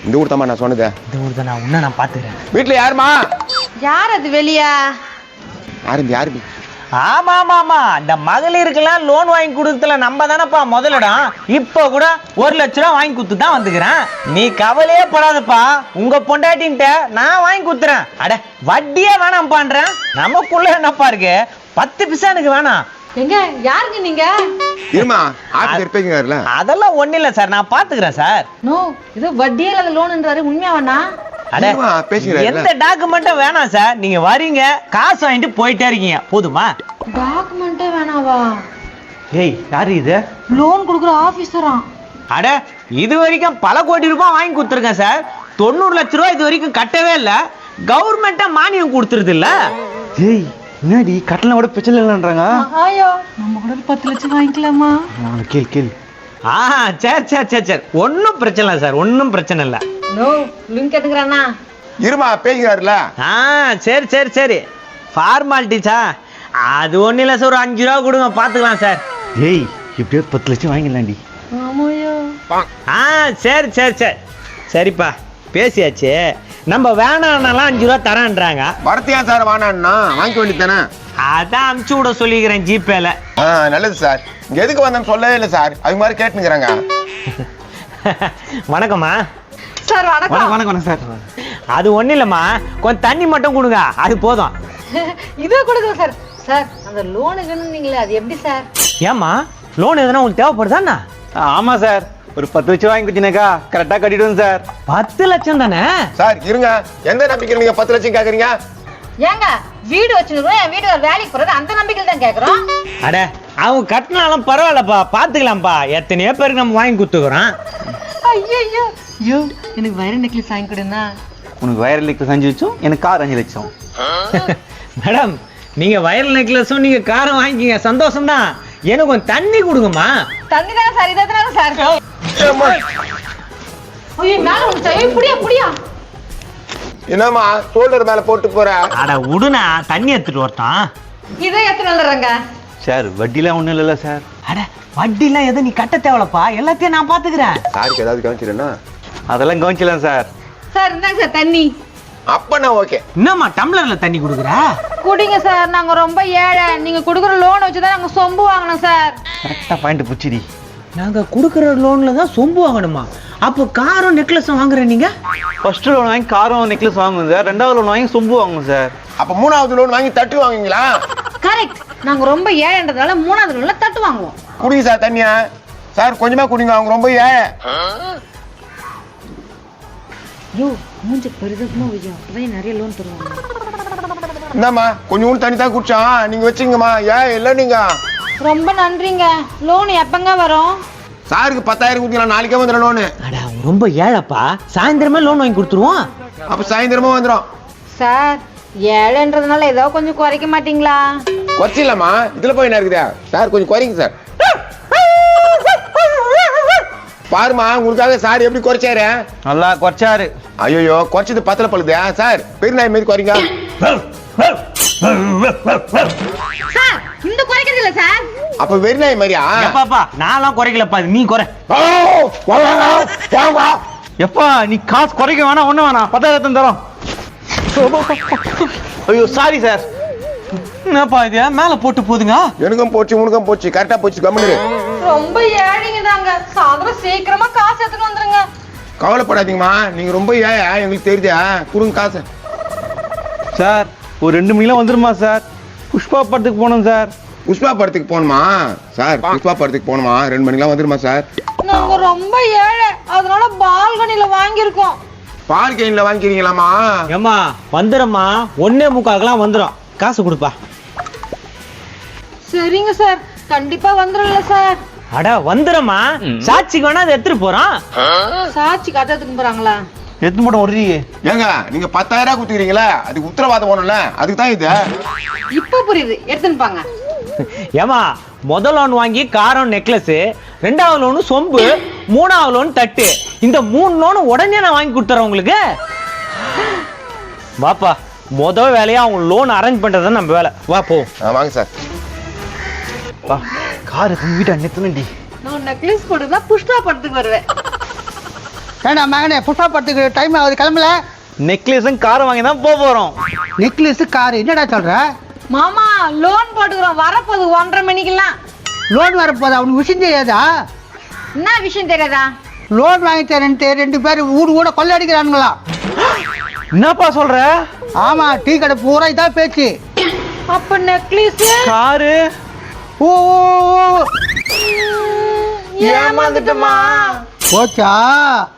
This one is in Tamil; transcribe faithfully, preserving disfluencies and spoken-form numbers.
இந்த ஊர் தாமா நான் சொன்னது. இந்த ஊர் தான். உன்ன நான் பாத்துக்கிறேன். வீட்டுல யாருமா? யார் அது வெளியா? யாரு யாரு? ஆமா ஆமா ஆமா இந்த மகளிருக்கெல்லாம் லோன் வாங்கி கொடுத்தல நம்ம தானப்பா முதலிடம். இப்போ கூட ஒரு லட்ச ரூபா வாங்கி கொடுத்து தான் வந்துக்கிறேன். நீ கவலையே படாதப்பா, உங்க பொண்டாட்டின்ட்ட நான் வாங்கி கொடுத்துறேன். அட வட்டியே வேணாம் பண்றேன். நமக்குள்ள என்னப்பா இருக்கு, பத்து பிசா எனக்கு வேணாம். எங்க யாருங்க நீங்க? இருமா ஆபீசர் பேசுங்கல. அதெல்லாம் ஒண்ணு இல்ல சார், நான் பாத்துக்கிறேன் சார். நோ இது வட்டியே இல்லாத லோன்ன்றாரு, உண்மையா வேணா? எந்த டாக்குமெண்ட்டும் வேணாம் சார். நீங்க வரீங்க, காசு வாங்கிட்டு போயிட்டே இருக்கீங்க, போதுமா? டாக்குமெண்டே வேணாவா? ஏய் யாரு இது? லோன் கொடுக்குற ஆபீசரா? அட இது வரைக்கும் பல கோடி ரூபாய் வாங்கி கொடுத்துருக்கேன் சார். தொண்ணூறு லட்ச ரூபாய் இது வரைக்கும் கட்டவே இல்ல. கவர்மெண்டா மானியம் கொடுத்துருது இல்ல. ஏய் என்னடி கட்டணம் கூட பிரச்சனை இல்லைன்றாங்க. ஐயோ நம்ம கூட பத்து லட்சம் வாங்கிக்கலாமா? கேள் கேள். ஆ சரி சரி சரி சரி ஒன்றும் பிரச்சனை இல்லை சார், ஒன்றும் பிரச்சனை இல்லை. நோ லிங்க் கேட்டுக்கிறானா? இருமா பேசுகிறாருல. ஆ சரி சரி சரி ஃபார்மாலிட்டிஸா? அது ஒன்றும் இல்லை சார், ஒரு அஞ்சு ரூபா கொடுங்க பார்த்துக்கலாம் சார். ஏய் எப்படியோ பத்து லட்சம் வாங்கிடலாண்டி. ஆமாயோ. ஆ சரி சரி சரி சரிப்பா பேசியாச்சு. நம்ம வேணான்னாலாம் அஞ்சு ரூபா தரேன்றாங்க. வரத்தியா சார் வானான்னா வாங்கிக்க வேண்டியதானே? அதான் அனுப்பிச்சு விட சொல்லிக்கிறேன் ஜிபேல. ஆ நல்லது சார். இங்க எதுக்கு வந்தேன்னு சொல்லவே இல்லை சார், அது மாதிரி கேட்டுங்கிறாங்க. வணக்கம்மா. சார் வணக்கம். வணக்கம் வணக்கம் சார். அது ஒன்றும் இல்லைம்மா, கொஞ்சம் தண்ணி மட்டும் கொடுங்க, அது போதும். இதோ கொடுக்குறேன் சார். சார் அந்த லோனுக்குன்னு நீங்களே அது எப்படி சார்? ஏம்மா லோன் எதுனா உங்களுக்கு தேவைப்படுதாண்ணா? ஆமா சார், ஒரு பத்து லட்சம் வாங்கி கொடுத்தீங்கக்கா கரெக்டா கட்டிடுவோம் சார். பத்து லட்சம் தானே சார்? இருங்க, எந்த நம்பிக்கையில் நீங்க பத்து லட்சம் கேக்குறீங்க? ஏங்க வீடு வச்சுருக்கோம், என் வீடு வேலைக்கு போறது அந்த நம்பிக்கையில் தான் கேட்குறோம். அட அவங்க கட்டினாலும் பரவாயில்லப்பா, பார்த்துக்கலாம்ப்பா. எத்தனையோ பேருக்கு நம்ம வாங்கி கொடுத்துக்கிறோம். ஐயோ ஐயோ எனக்கு வைர நெக்லஸ் வாங்கி கொடுனா. உனக்கு வயர் நெக்லஸ் அஞ்சு லட்சம், எனக்கு கார் அஞ்சு லட்சம். மேடம் நீங்க வயர் நெக்லஸும் நீங்க காரம் வாங்கிக்கிங்க, சந்தோஷம் தான். எனக்கு கொஞ்சம் தண்ணி கொடுங்கம்மா. தண்ணி தானே சார், இதானே சார். ஐயோ மேல வந்து ஐயோ புடியா புடியா. என்னம்மா ஷோல்டர் மேல போட்டு போற? அட விடுனா, தண்ணி எடுத்துட்டு வரட்டான். இதே எத்தனை வந்துடுறாங்க சார்? வட்டிலாம் ஒன்றும் இல்லைல்ல சார். அட வட்டிலாம் எதுவும் நீ கட்ட தேவலப்பா, எல்லாத்தையும் நான் பாத்துக்கிறேன். சாருக்கு ஏதாவது கவனிச்சிருன்னா? அதெல்லாம் கவனிச்சலாம் சார். சார் இந்தாங்க சார் தண்ணி. அப்ப நான் ஓகே. என்னம்மா டம்ளர்ல தண்ணி கொடுக்குற? குடிங்க சார், நாங்க ரொம்ப ஏழை. நீங்க கொடுக்குற லோன் வச்சுதான் நாங்க சொம்பு வாங்கணும் சார். கரெக்டா பாயிண்ட் புச்சிடி. நாங்க கொடுக்குற லோன்ல தான் சொம்பு வாங்கணுமா? அப்போ காரும் நெக்லஸும் வாங்குறேன் நீங்க? ஃபர்ஸ்ட் லோன் வாங்கி காரம் நெக்லஸ் வாங்குவோம் சார், ரெண்டாவது லோன் வாங்கி சொம்பு வாங்குவோம் சார். அப்ப மூணாவது லோன் வாங்கி தட்டு வாங்குவீங்களா? கரெக்ட், நாங்க ரொம்ப ஏழைன்றதால மூணாவது லோன்ல தட்டு வாங்குவோம். குடிங்க சார் தண்ணியா. சார் கொஞ்சமா குடிங்க, அவங்க ரொம்ப ஏழை. யோ மூஞ்சி பெருதமா வையா, அப்பதான் நிறைய லோன் தருவாங்க. இந்தாம்மா கொஞ்சம் தண்ணி தான் குடிச்சான், நீங்க வச்சுங்கம்மா. ஏன் இல்லை நீங்க? ரொம்ப நன்றிங்க. லோன் எப்பங்க வரும்? சாருக்கு பத்தாயிரம் கொடுத்தீங்களா? நாளைக்கே வந்துடும் லோனு. அட ரொம்ப ஏழைப்பா, சாயந்தரமே லோன் வாங்கி கொடுத்துருவோம். அப்ப சாயந்தரமா வந்துடும். சார் ஏழைன்றதுனால ஏதோ கொஞ்சம் குறைக்க மாட்டீங்களா? குறைச்சிடலாமா? இதுல போய் என்ன இருக்குதா? சார் கொஞ்சம் குறைங்க சார். பாருமா உங்களுக்காக சார் எப்படி குறைச்சாரு. நல்லா குறைச்சாரு. ஐயோ குறைச்சது பத்தல பழுதா சார்? பெருநாய் மாரி குறைங்க. சார் இந்த குறைக்கிறது இல்ல சார். அப்ப வெறிநாய் மாதிரியா? பாப்பா நான்லாம் குறைக்கலப்பா, நீ குறை. எப்பா நீ காசு குறைக்க வேணாம், ஒண்ணு வேணாம், பத்தாயிரத்து தரோம். ஐயோ சாரி சார். என்னப்பா இது மேல போட்டு போதுங்க? எனக்கும் போச்சு உனக்கும் போச்சு, கரெக்டா போச்சு. கம்முனு. ரொம்ப ஏழைங்க தாங்க, சாயந்தரம் சீக்கிரமா காசு எடுத்துட்டு வந்துருங்க. கவலைப்படாதீங்கம்மா, நீங்க ரொம்ப ஏழை எங்களுக்கு தெரியுதா. கொடுங்க காசு. சார் ஒரு ரெண்டு மணிலாம் வந்துருமா சார்? புஷ்பா படத்துக்கு போனோம் சார். புஷ்பா படத்துக்கு போகணுமா சார்? புஷ்பா படத்துக்கு போகணுமா? ரெண்டு மணிக்கெல்லாம் வந்துருமா சார்? நாங்க ரொம்ப ஏழை, அதனால பால்கனில வாங்கியிருக்கோம். பால் கேன்ல வாங்கிக்கிறீங்களாமா? ஏம்மா வந்துடும்மா, ஒன்னே முக்காக்கெல்லாம் வந்துடும். காசு கொடுப்பா. சரிங்க சார், கண்டிப்பா வந்துடும்ல சார். அட வந்துடும்மா, சாட்சிக்கு வேணா அதை எடுத்துட்டு போறோம். சாட்சி கதை எடுத்துட்டு போறாங்களா? எத்து மட்டும் ஒரு ஏங்க நீங்க பத்தாயிரம் ரூபாய் கொடுத்துக்கிறீங்களா, அதுக்கு உத்தரவாதம் போகணும்ல, அதுக்கு தான் இது. இப்ப புரியுது, எடுத்துன்னு பாங்க. ஏமா முதல் லோன் வாங்கி காரம் நெக்லஸ், ரெண்டாவது லோனு சொம்பு, மூணாவது லோன் தட்டு. இந்த மூணு லோனு உடனே நான் வாங்கி கொடுத்துறேன் உங்களுக்கு. வாப்பா, முதல் வேலையா அவங்க லோன் அரேஞ்ச் பண்றது நம்ம வேலை. வா போ. வாங்க சார். வா கார் வீட்டை நிறுத்தணும்டி. நான் நெக்லஸ் போட்டுதான் புஷ்பா படத்துக்கு வருவேன். ஏண்டா மகனே புஷ்பா படத்துக்கு டைம் ஆகுது கிளம்பல. நெக்லஸும் காரை வாங்கி தான் போக போறோம். நெக்லஸ் கார் என்னடா சொல்ற? மாமா லோன் போட்டுக்கிறோம் வரப்போகுது ஒன்றரை மணிக்கெல்லாம். லோன் வரப்போதா? அவனுக்கு விஷயம் தெரியாதா? என்ன விஷயம் தெரியாதா? லோன் வாங்கி தரேன்ட்டு ரெண்டு பேர் ஊடு கூட கொள்ளை அடிக்கிறானுங்களா? என்னப்பா சொல்ற? ஆமா, டீ கடை பூரா இதான் பேச்சு. அப்ப நெக்லஸ் காரு ஓ ஏமாந்துட்டமா? போச்சா?